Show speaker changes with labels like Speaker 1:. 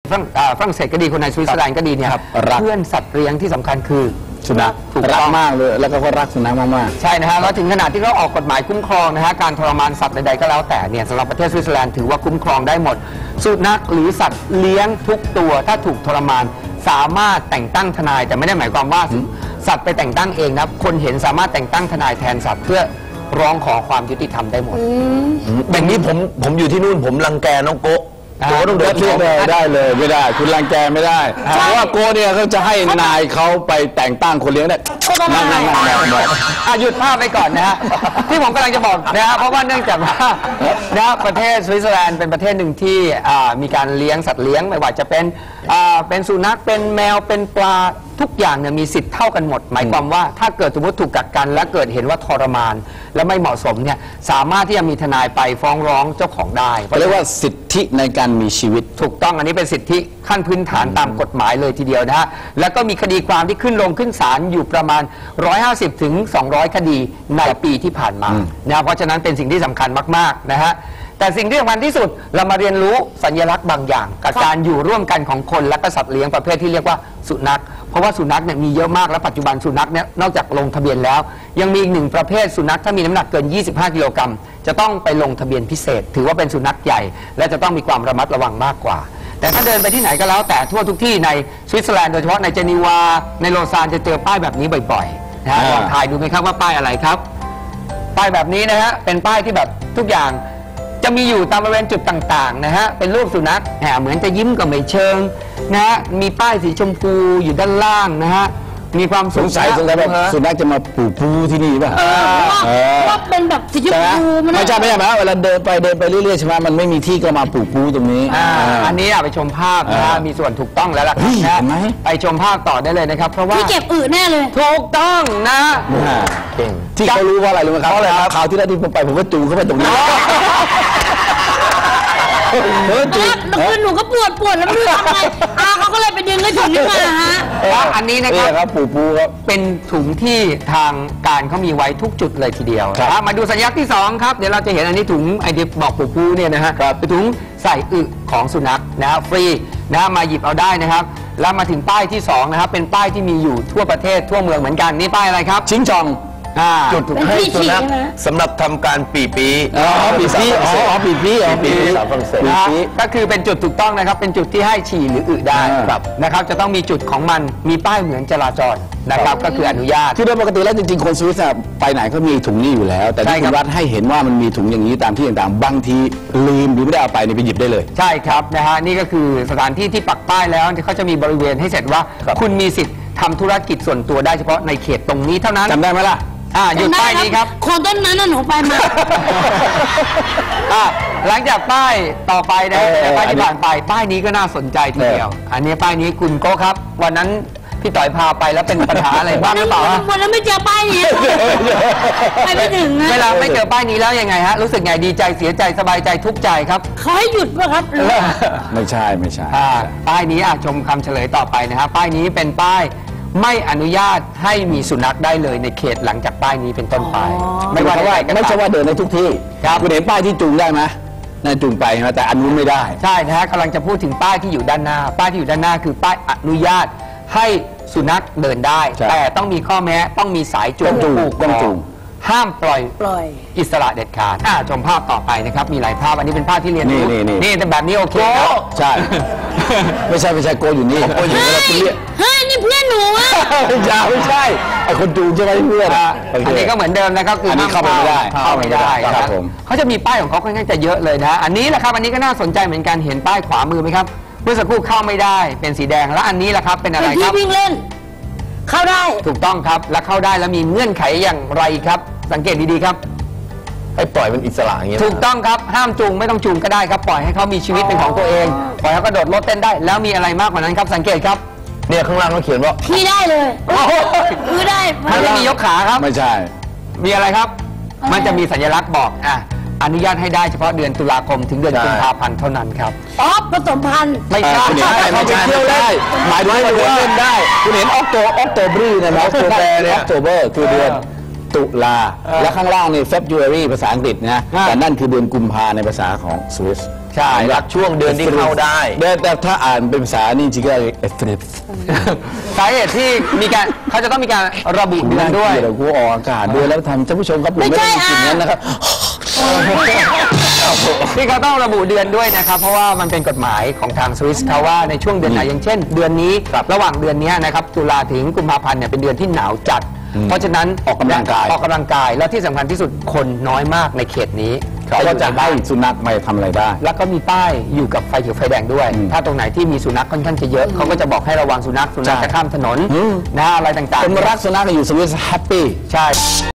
Speaker 1: ฝรั่งเศสก็ดีคนในสวิตเซอร์แลนด์ก็ดีเนี่ยเพื่อนสัตว์เลี้ยงที่สำคัญคือ
Speaker 2: สุนัขรักมากเลยแล้วก็รักสุนัขมาก
Speaker 1: ๆใช่นะฮะแล้วถึงขนาดที่เขาออกกฎหมายคุ้มครองนะฮะการทรมานสัตว์ใดๆก็แล้วแต่เนี่ยสำหรับประเทศสวิตเซอร์แลนด์ถือว่าคุ้มครองได้หมดสุนัขหรือสัตว์เลี้ยงทุกตัวถ้าถูกทรมานสามารถแต่งตั้งทนายแต่ไม่ได้หมายความว่าสัตว์ไปแต่งตั้งเองนะคนเห็นสามารถแต่งตั้งทนายแทนสัตว์เพื่อร้องขอความยุติธรรมได้หมด
Speaker 3: แบบนี้ผมอยู่ที่นู่นผมรังแกน้องโกต้องเดินเรื่อง
Speaker 2: ได้เลยไม่ได้คุณรังแกไม่ได้เพราะว่าโกเนี่ยเขาจะให้นายเขาไปแต่งตั้งคนเลี้ยงได้นั่ง
Speaker 1: หยุดภาพไปก่อนนะฮะที่ผมกำลังจะบอกนะฮะเพราะว่าเนื่องจากว่านะประเทศสวิตเซอร์แลนด์เป็นประเทศหนึ่งที่มีการเลี้ยงสัตว์เลี้ยงไม่ว่าจะเป็นสุนัขเป็นแมวเป็นปลาทุกอย่างเนี่ยมีสิทธิ์เท่ากันหมดหมายความว่าถ้าเกิดสมมติถูกกักกันและเกิดเห็นว่าทรมานและไม่เหมาะสมเนี่ยสามารถที่จะมีทนายไปฟ้องร้องเจ้าของได้
Speaker 2: เรียกว่าสิทธิในการมีชีวิต
Speaker 1: ถูกต้องอันนี้เป็นสิทธิขั้นพื้นฐานตามกฎหมายเลยทีเดียวนะฮะแล้วก็มีคดีความที่ขึ้นลงขึ้นศาลอยู่ประมาณ150 ถึง 200 คดีในปีที่ผ่านมานะเพราะฉะนั้นเป็นสิ่งที่สำคัญมากๆนะฮะแต่สิ่งที่สำคัญที่สุดเรามาเรียนรู้สัญลักษณ์บางอย่างกับการอยู่ร่วมกันของคนและก็สัตว์เลี้ยงประเภทที่เรียกว่าสุนัขเพราะว่าสุนัขเนี่ยมีเยอะมากและปัจจุบันสุนัขเนี่ยนอกจากลงทะเบียนแล้วยังมีอีกหนึ่งประเภทสุนัขถ้ามีน้ำหนักเกิน25 กิโลกรัมจะต้องไปลงทะเบียนพิเศษถือว่าเป็นสุนัขใหญ่และจะต้องมีความระมัดระวังมากกว่าแต่ถ้าเดินไปที่ไหนก็แล้วแต่ทั่วทุกที่ในสวิตเซอร์แลนด์โดยเฉพาะในเจนีวาในโลซานจะเจอป้ายแบบนี้บ่อยๆนะฮะลองทายดูไหมครับว่าป้ายอะไรครับป้ายแบบนี้นะฮะเป็นป้ายที่แบบทุกอย่างจะมีอยู่ตามบริเวณจุดต่างๆนะฮะเป็นรูปสุนัขเหมือนจะยิ้มกับไม่เชิงนะฮะมีป้ายสีชมพูอยู่ด้านล่างนะฮะมีความ
Speaker 2: สงสัยว่าสุนัขจะมาปูที่นี่ป่ะ
Speaker 4: ว่าเป็นแบบสีชมพู
Speaker 2: ไม่ใช่เวลาเดินไปเรื่อยๆใช่ไหมมันไม่มีที่ก็มาปูตรงนี้
Speaker 1: อันนี้ไปชมภาพนะมีส่วนถูกต้องแล้วล่ะครับไปชมภาพต่อได้เลยนะครับเพราะว่า
Speaker 4: ที่เก็บอึแน่เลย
Speaker 1: ถูกต้องนะ
Speaker 2: ที่เขารู้ว่าอะไรรู้ไหมครับข่าวที่แล้วที่ผมไปผมก็จูงเข้าไปตรงนี้
Speaker 4: แล้วหนูก็ปวดแล้วไม่รู้ทำไงเขาก็เลยไปดึงให้ถุงนี้มาฮะ
Speaker 1: อันนี้นะครับ
Speaker 2: ปูครับ
Speaker 1: เป็นถุงที่ทางการเขามีไว้ทุกจุดเลยทีเดียวมาดูสัญลักษณ์ที่2ครับเดี๋ยวเราจะเห็นอันนี้ถุงไอเดียบอกปูเนี่ยนะฮะเป็นถุงใส่อึของสุนัขนะฟรีนะมาหยิบเอาได้นะครับแล้วมาถึงป้ายที่2นะครับเป็นป้ายที่มีอยู่ทั่วประเทศทั่วเมืองเหมือนกันนี่ป้ายอะไรครับ
Speaker 2: ชิงจอง
Speaker 3: จุดให้สุนัขสำหรับทำการปีปี
Speaker 2: ปี
Speaker 1: ก็คือเป็นจุดถูกต้องนะครับเป็นจุดที่ให้ฉี่หรืออึได้นะครับจะต้องมีจุดของมันมีป้ายเหมือนจราจรนะครับก็คืออนุญาต
Speaker 2: คือโดยปกติแล้วจริงๆคนสวิสไปไหนก็มีถุงนี้อยู่แล้วแต่ที่คุณรัฐให้เห็นว่ามันมีถุงอย่างนี้ตามที่ต่างๆบางทีลืมหรือไม่ได้เอาไปไปหยิบได้เลย
Speaker 1: ใช่ครับนะฮะนี่ก็คือสถานที่ที่ปักป้ายแล้วเขาจะมีบริเวณให้เสร็จว่าคุณมีสิทธิ์ทำธุรกิจส่วนตัวได้เฉพาะในเขตตรงนี้เท่านั้น
Speaker 2: จำได้ไหมล่ะ
Speaker 1: หยุดป้ายนี้ครับ
Speaker 4: โคนต้นนั้นหนูไปมา
Speaker 1: หลังจากป้ายต่อไปนะป้ายที่ผ่านไปป้ายนี้ก็น่าสนใจทีเดียวอันนี้ป้ายนี้คุณโก้ครับวันนั้นพี่ต่อยพาไปแล้วเป็นปัญหาอะไรบ้างหรือเปล่า
Speaker 4: วันนั้นไม่เจอป้ายนี้ไปไม่ถึง
Speaker 1: เวลาไม่เจอป้ายนี้แล้วยังไงฮะรู้สึกไงดีใจเสียใจสบายใจทุกข์ใจครับ
Speaker 4: เขาให้หยุดป่ะครับ
Speaker 2: ไม่ใช่
Speaker 1: ป้ายนี้ชมคำเฉลยต่อไปนะครับป้ายนี้เป็นป้ายไม่อนุญาตให้มีสุนัขได้เลยในเขตหลังจากป้ายนี้เป็นต้นไป
Speaker 2: ไม่ว่าไม่ใช่ว่าเดินในทุกที่คุณเห็นป้ายที่จูงได้ไหมนั่นจูงไปนะแต่อันนู้นไม่ได้
Speaker 1: ใช่นะฮะกำลังจะพูดถึงป้ายที่อยู่ด้านหน้าป้ายที่อยู่ด้านหน้าคือป้ายอนุญาตให้สุนัขเดินได้แต่ต้องมีข้อแม้ต้องมีสายจูง
Speaker 2: จูง
Speaker 1: ห้ามปล่อยอิสระเด็ดขาดชมภาพต่อไปนะครับมีหลายภาพอันนี้เป็นภาพที่เรียนรู้นี่แต่แบบนี้โอเคครับ
Speaker 2: ใช่ไม่ใช่โกอยู่นี่
Speaker 4: โกอยู่นี่เราเรียกเฮ้ยนี่เพื่อนหนูอ่ะ
Speaker 2: ไม่ใช่ไอคนจูงใช่ไหมเพื่อน
Speaker 1: อันนี้ก็เหมือนเดิมนะครับคือ
Speaker 2: เข้าไม่ได้
Speaker 1: ครับเขาจะมีป้ายของเขาค่อนข้างจะเยอะเลยนะอันนี้แหละครับอันนี้ก็น่าสนใจเหมือนกันเห็นป้ายขวามือไหมครับเมื่อสักครู่เข้าไม่ได้เป็นสีแดงแล้วอันนี้แหละครับเป็นอะไรครับ
Speaker 4: วิ่งเล่นเข้าได้
Speaker 1: ถูกต้องครับและเข้าได้แล้วมีเงื่อนไขอย่างไรครับสังเกตดีๆครับ
Speaker 3: ให้ปล่อยมันอิสระอย่างเงี้ย
Speaker 1: ถูกต้องครับห้ามจูงไม่ต้องจูงก็ได้ครับปล่อยให้เขามีชีวิตเป็นของตัวเองปล่อยเขากระโดดรถเต้นได้แล้วมีอะไรมากกว่านั้นครับสังเกตครับ
Speaker 3: เนี่ยข้างล่างเขาเขียนว่า
Speaker 4: พี่ได้เลยคือได้
Speaker 1: มันไม่มียกขาครับ
Speaker 2: ไม่ใช่
Speaker 1: มีอะไรครับมันจะมีสัญลักษณ์บอกอนุญาตให้ได้เฉพาะเดือนตุลาคมถึงเดือนกุมภาพันธ์เท่านั้นครับ
Speaker 4: ผสมพันธุ์
Speaker 1: ไม่ใช่
Speaker 2: ไม่ใช่เที่ยวได้หมายถึงว่าเล่นได้คุณเห็นออกโตบรีนะออกโตเบอร์คือเดือนตุลาและข้างล่างนี่ February ภาษาอังกฤษนะแต่นั่นคือเดือนกุมภาในภาษาของสวิส
Speaker 1: ใช่
Speaker 3: รักช่วงเดือนที่เข้าได้
Speaker 2: แต่ถ้าอ่านเป็นภาษานี่จริงๆก็เอฟเฟร
Speaker 1: สาเหตุที่มีการเขาจะต้องมีการระบุเดือนด้วย
Speaker 2: เดี๋ยวกูออกอากาศด้วยแล้วทำท่านผู้ชมครับผมไม่ได้กินนั้นนะครับ
Speaker 1: ที่เขาต้องระบุเดือนด้วยนะครับ เพราะว่ามันเป็นกฎหมายของทางสวิสเขาว่าในช่วงเดือนไหนอย่างเช่น เดือนนี้ระหว่างเดือนนี้นะครับตุลาถึงกุมภาพันธ์เนี่ยเป็นเดือนที่หนาวจัด เพราะฉะนั้น
Speaker 2: ออกกำลังกาย
Speaker 1: แล้วที่สำคัญที่สุดคนน้อยมากในเขตนี้
Speaker 2: เขาก็จะให้สุนัขไปทำอะไรได้
Speaker 1: แล้วก็มีป้ายอยู่กับไฟเขียวไฟแดงด้วย ถ้าตรงไหนที่มีสุนัขค่อนข้างจะเยอะเขาก็จะบอกให้ระวังสุนัขจะข้ามถนนนะอะไรต่างๆ
Speaker 2: คนรักสุนัขอยู่สวิสแฮปปี้
Speaker 1: ใช่